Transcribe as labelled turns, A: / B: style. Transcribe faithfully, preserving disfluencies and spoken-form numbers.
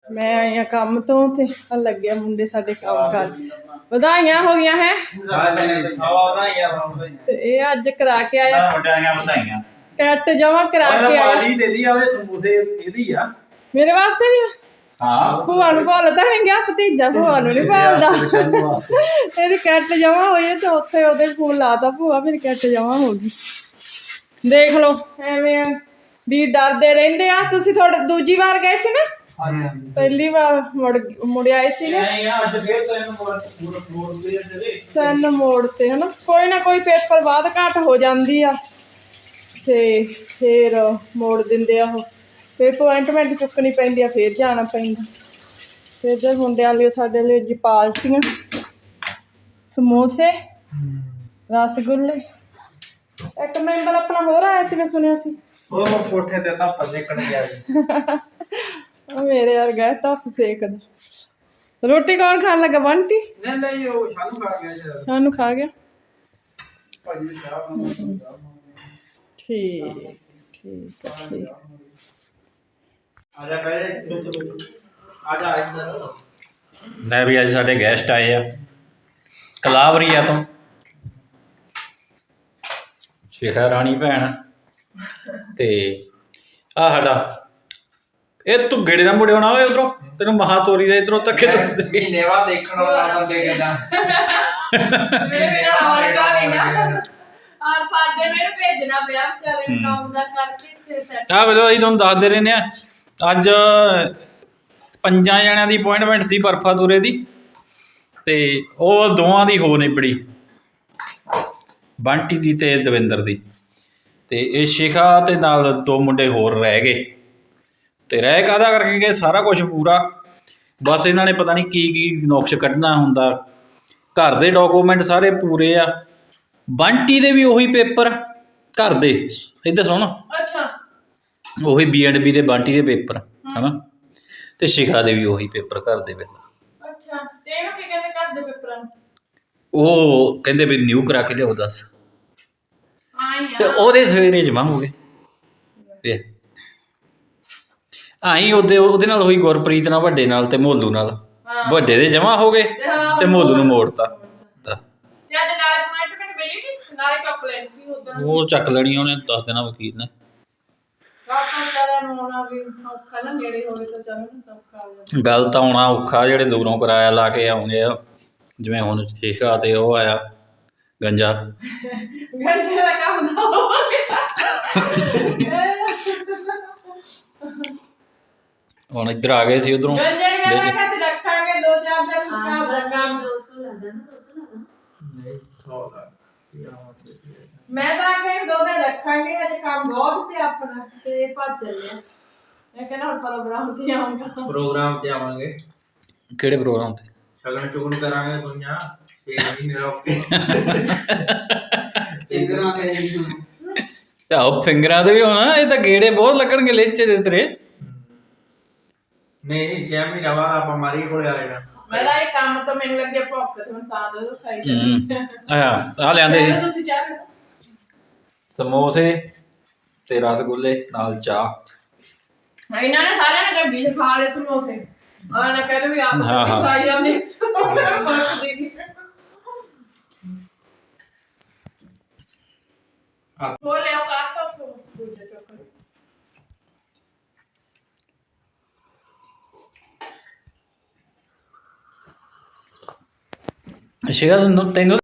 A: मैं आई हाँ काम तो ते लगे मुंडे साडे काम कर ਵਧਾਈਆਂ ਹੋ ਗਈਆਂ है ते ये अज करा के आया कैट जमा करा के आया मेरे वास्ते भी भूआ नूं भुल तां नहीं गया भतीजा भूआ नूं नहीं भालदा ਇਹਦੀ कैट जमा होई ते उत्थे ओहदे फोन लाता भूआ मेरी कैट जमा हो गई देख लो एवें भी डरदे रहिंदे आ तुसीं थोड़े दूजी बार गए सी ना पहली बार मुड़ मुड़ आए सी ना तीन मोड़ते है ना कोई ना कोई पेपर बाद घट हो जाती आ ते फिर मोड़ दिंदे आ फिर अपॉइंटमेंट चुकनी पैंदी आ फिर जाना पैंदा फिर इधर मुंडियां लिए साडे लिए जी पार्टियां समोसे रसगुल्ले एक मैंबर अपना होर आया सी मैं सुनिया सी
B: ਉਹ ਕੋਠੇ ਤੇ ਤਾਂ ਪੱਜੇ ਕਣ ਗਿਆ ਜੀ
A: मेरे यार गए धुप सेकदा रोटी कौन खान लगा बंटी
B: नहीं नहीं वो शानू खा गया जी
A: शानू खा गया
B: भाजी चाह बना
A: ठीक ठीक है ठीक
B: आजा पहले आजा इधर
C: ਲੈ ਵੀ ਅੱਜ ਸਾਡੇ ਗੈਸਟ ਆਏ ਆ ਕਲਾਵਰੀਆ ਤੋਂ ਸ਼ਿਖਾ ਰਾਣੀ ਭੈਣ ਤੇ ਆ ਸਾਡਾ ਇਹ ਤੂੰ ਗੇੜੇ ਨਾਲ ਮੁੜੇ ਆਉਣਾ ਓਏ ਉਧਰੋਂ ਤੈਨੂੰ ਮਹਾ ਤੋਰੀ ਦਾ ਇਧਰੋਂ ਧੱਕੇ ਤੋਂ
B: ਮਹੀਨੇ ਬਾਅਦ ਦੇਖਣ ਵਾਲਾ ਬੰਦੇ ਕਿਦਾਂ
A: मेरे बिना रौनक नहीं ना और साडे मेरे भेजना पिया बेचारे काम दा करके इत्थे सेट
C: ਆ ਵੇਲੋ ਅਸੀਂ ਤੁਹਾਨੂੰ ਦੱਸਦੇ ਰਹਿੰਦੇ ਆ ਅੱਜ ਪੰਜਾਂ ਜਣਿਆਂ ਦੀ ਅਪਾਇੰਟਮੈਂਟ ਸੀ ਬਰਫਾਦੂਰੇ ਦੀ ਤੇ ਉਹ ਦੋਵਾਂ ਦੀ ਹੋ ਨਿਬੜੀ ਬੰਟੀ ਦੀ ਤੇ ਦਵਿੰਦਰ ਦੀ ਤੇ ਇਹ ਸ਼ਿਖਾ ਤੇ ਨਾਲ ਦੋ ਮੁੰਡੇ ਹੋਰ ਰਹਿ ਗਏ ਤੇ ਰਹਿ ਕਾਹਦਾ ਕਰਕੇ ਗਏ ਸਾਰਾ ਕੁਝ ਪੂਰਾ ਬਸ ਇਹਨਾਂ ਨੇ ਪਤਾ ਨਹੀਂ ਕੀ ਕੀ ਨੁਕਸ ਕੱਢਣਾ ਹੁੰਦਾ ਘਰ ਦੇ ਡਾਕੂਮੈਂਟ ਸਾਰੇ ਪੂਰੇ ਆ ਬੰਟੀ ਦੇ ਵੀ ਉਹੀ ਪੇਪਰ ਘਰ ਦੇ ਇੱਧਰ ਸੁਣ
A: अच्छा
C: ਉਹੀ ਬੀ ਐਂਡ ਬੀ ਦੇ ਬੰਟੀ ਦੇ ਪੇਪਰ ਹਨਾ ਤੇ ਸ਼ਿਖਾ ਦੇ ਵੀ ਉਹੀ ਪੇਪਰ ਘਰ ਦੇ ਵਿੱਚ
A: अच्छा ते नु की कहने कर दे पेपरां
C: ਉਹ ਕਹਿੰਦੇ ਵੀ ਨਿਊ ਕਰਾ ਕੇ ਲਿਆਓ ਦੱਸ
A: आई
C: ਤੇ
A: हां
C: ਉਹਦੇ ਸਵੇਰੇ ਜਮਾ ਹੋ ਗਏ ਵੇ ਆਈ ਉਹਦੇ ਉਹਦੇ ਨਾਲ ਹੋਈ ਗੁਰਪ੍ਰੀਤ ਨਾਲ ਵੱਡੇ ਨਾਲ ਤੇ ਮੋਲੂ ਨਾਲ ਵੱਡੇ ਦੇ ਜਮਾ ਹੋ ਗਏ ਤੇ ਮੋਲੂ ਨੂੰ ਮੋੜਤਾ
A: ते आज नाले अपॉइंटमेंट मिली नहीं नाले चॉकलेट सी उधर
C: ਉਹ ਚੱਕ ਲੈਣੀ ਉਹਨੇ ਦੱਸ ਦੇਣਾ ਵਕੀਲ ਨੇ
A: ਰਾਤਾਂ ਸਾਰਿਆਂ ਨੂੰ ਆਉਣਾ ਵੀ ਔਖਾ ਨਾ ਨੇੜੇ ਹੋਵੇ ਤਾਂ ਚਲੋ ਨਾ ਸੌਖਾ ਹੋ ਜਾਂਦਾ
C: ਗੱਲ ਤਾਂ ਆਉਣਾ ਔਖਾ ਜਿਹੜੇ ਦੂਰੋਂ ਕਿਰਾਇਆ ਲਾ ਕੇ ਆਉਂਦੇ ਆ ਜਿਵੇਂ ਹੁਣ ਸ਼ਿਖਾ ਤੇ ਉਹ ਆਇਆ ਗੰਜਾ
A: ਗੰਜੇ ਦਾ ਕੰਮ ਤਾਂ ਹੋ ਗਿਆ
C: ਹੁਣ ਇੱਧਰ ਆ ਗਏ ਸੀ ਉਧਰੋਂ
A: ਗੰਜੇ ਨੂੰ ਮੈਂ ਕਿਹਾ ਸੀ ਰੱਖਾਂਗੇ ਦੋ ਚਾਰ ਦਿਨ ਘਰ ਦਾ ਕੰਮ
D: दो सौ लगा ना दो सौ लगा
B: ਨਹੀਂ ਸੌ ਦਾ
A: ਮੈਂ ਤਾਂ ਆਖਿਆ ਦੋ ਦਿਨ ਰੱਖਾਂਗੇ ਹਜੇ ਕੰਮ ਬਹੁਤ ਪਿਆ ਆਪਣਾ ਤੇ ਭੱਜ ਚੱਲਿਆ ਮੈਂ ਕਹਿੰਦਾ ਹੁਣ ਪ੍ਰੋਗਰਾਮ ਤੇ ਆਉਂਗਾ
B: ਪ੍ਰੋਗਰਾਮ ਤੇ ਆਵਾਂਗੇ
C: ਕਿਹੜੇ ਪ੍ਰੋਗਰਾਮ ਤੇ
B: ਸ਼ਗਨ ਚੁਗਨ ਕਰਾਂਗੇ ਦੁਨੀਆ ਇੱਕ ਮਹੀਨੇ ਰੁਕ ਕੇ ਫਿੰਗਰਾਂ ਤੇ
C: ਆਹੋ ਫਿੰਗਰਾਂ ਤੇ ਵੀ ਹੋਣਾ ਇਹ ਤਾਂ ਗੇੜੇ ਬਹੁਤ ਲੱਗਣਗੇ ਲੇਚੇ ਦੇ ਤੇਰੇ
B: ਨਹੀਂ ਛੇ ਮਹੀਨੇ ਬਾਅਦ ਆਪਾਂ ਮਾਰੀ ਕੋਲੇ ਆ ਜਾਣਾ
A: ਮੈਂ ਤਾਂ ਇਹ ਕੰਮ ਤੋਂ ਮੈਨੂੰ ਲੱਗਿਆ ਭੁੱਖ ਤੇ ਮੈਂ ਤਾਂ ਦੋ ਖਾਈ ਜਾਂਦੀ
C: ਆ ਆ ਲਿਆਂਦੇ ਸੀ
A: ਤੁਸੀਂ ਚਾਹ ਲਓ
C: ਸਮੋਸੇ ਤੇ ਰਸਗੁੱਲੇ ਨਾਲ ਚਾਹ
A: ਇਹਨਾਂ ਨੇ ਸਾਰਿਆਂ ਨੇ ਗੱਡੀ 'ਚ ਖਾ ਲਏ ਸਮੋਸੇ ਉਹਨਾਂ ਨੇ ਕਹਿੰਦੇ ਵੀ ਆਪ
C: ਹਾਂ, ਹਾਂ।
A: ਖਾਈ ਜਾਂਦੀ ਮੈਂ ਭੁੱਖਦੀ ਨਹੀਂ ਉਹ ਲਿਆਓ ਕਾਟੋ ਦੂਜੇ ਚੋਕਰ
C: ਸ਼ਿਖਾ ਤੈਨੂੰ ਤੈਨੂੰ